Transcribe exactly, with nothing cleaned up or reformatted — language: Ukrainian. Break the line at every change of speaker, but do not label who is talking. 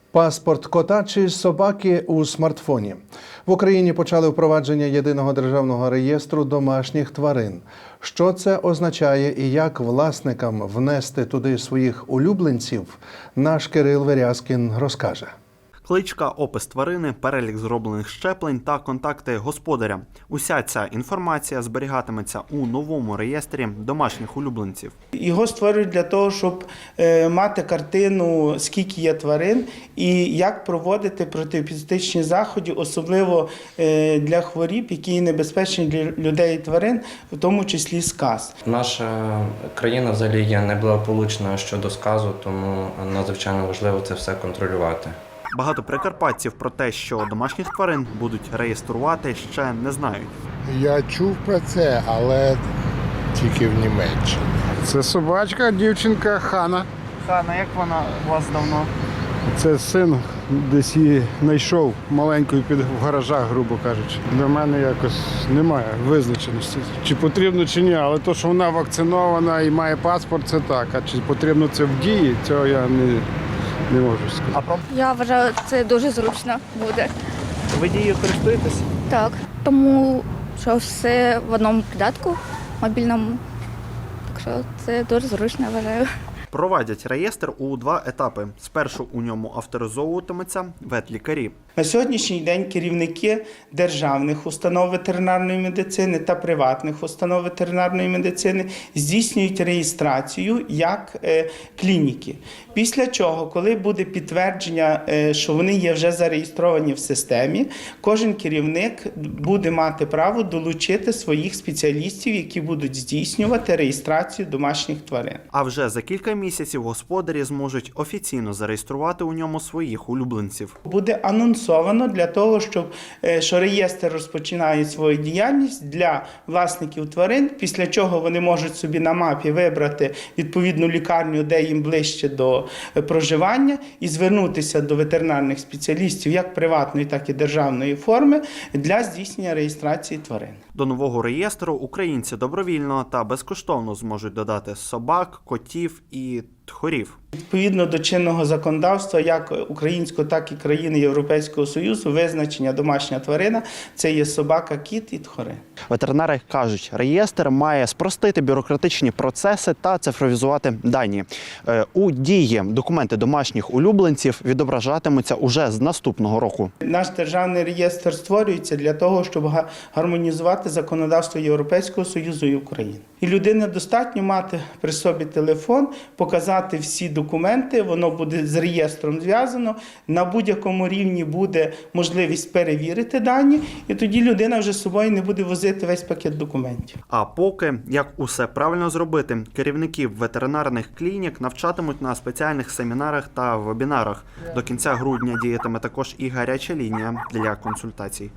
Паспорт кота чи собаки у смартфоні. В Україні почали впровадження єдиного державного реєстру домашніх тварин. Що це означає і як власникам внести туди своїх улюбленців, наш Кирил Верязкін розкаже.
Кличка, опис тварини, перелік зроблених щеплень та контакти господаря. Уся ця інформація зберігатиметься у новому реєстрі домашніх улюбленців.
Його створюють для того, щоб е, мати картину, скільки є тварин і як проводити протиепізотичні заходи, особливо е, для хворіб, які небезпечні для людей і тварин, в тому числі сказ.
Наша країна взагалі є неблагополучна щодо сказу, тому надзвичайно важливо це все контролювати.
Багато прикарпатців про те, що домашніх тварин будуть реєструвати, ще не знають.
Я чув про це, але тільки в Німеччині. Це собачка, дівчинка Хана.
Хана, як вона у вас давно?
Це син десь її знайшов маленькою під в гаражах, грубо кажучи. Для мене якось немає визначеності, чи потрібно, чи ні. Але то, що вона вакцинована і має паспорт, це так. А чи потрібно це в дії, цього я не, не можу сказати.
Я вважаю, це дуже зручно буде.
Ви дією користуєтесь?
Так, тому що все в одному придатку мобільному. Так що це дуже зручно, вважаю.
Провадять реєстр у два етапи. Спершу у ньому авторизовуватимуться ветлікарі.
На сьогоднішній день керівники державних установ ветеринарної медицини та приватних установ ветеринарної медицини здійснюють реєстрацію як е, клініки. Після чого, коли буде підтвердження, е, що вони є вже зареєстровані в системі, кожен керівник буде мати право долучити своїх спеціалістів, які будуть здійснювати реєстрацію домашніх тварин.
А вже за кілька місяців господарі зможуть офіційно зареєструвати у ньому своїх улюбленців.
Буде анонсовано для того, щоб що реєстр розпочинає свою діяльність для власників тварин, після чого вони можуть собі на мапі вибрати відповідну лікарню, де їм ближче до проживання, і звернутися до ветеринарних спеціалістів як приватної, так і державної форми для здійснення реєстрації тварин.
До нового реєстру українці добровільно та безкоштовно зможуть додати собак, котів і тхорів.
Відповідно до чинного законодавства, як українського, так і країни Європейського Союзу, визначення домашня тварина – це є собака, кіт і тхори.
Ветеринари кажуть, реєстр має спростити бюрократичні процеси та цифровізувати дані. У дії документи домашніх улюбленців відображатимуться уже з наступного року.
Наш державний реєстр створюється для того, щоб гармонізувати законодавство Європейського Союзу і України. І людині достатньо мати при собі телефон, показати всі документи, воно буде з реєстром зв'язано, на будь-якому рівні буде можливість перевірити дані, і тоді людина вже з собою не буде возити весь пакет документів.
А поки, як усе правильно зробити, керівників ветеринарних клінік навчатимуть на спеціальних семінарах та вебінарах. До кінця грудня діятиме також і гаряча лінія для консультацій.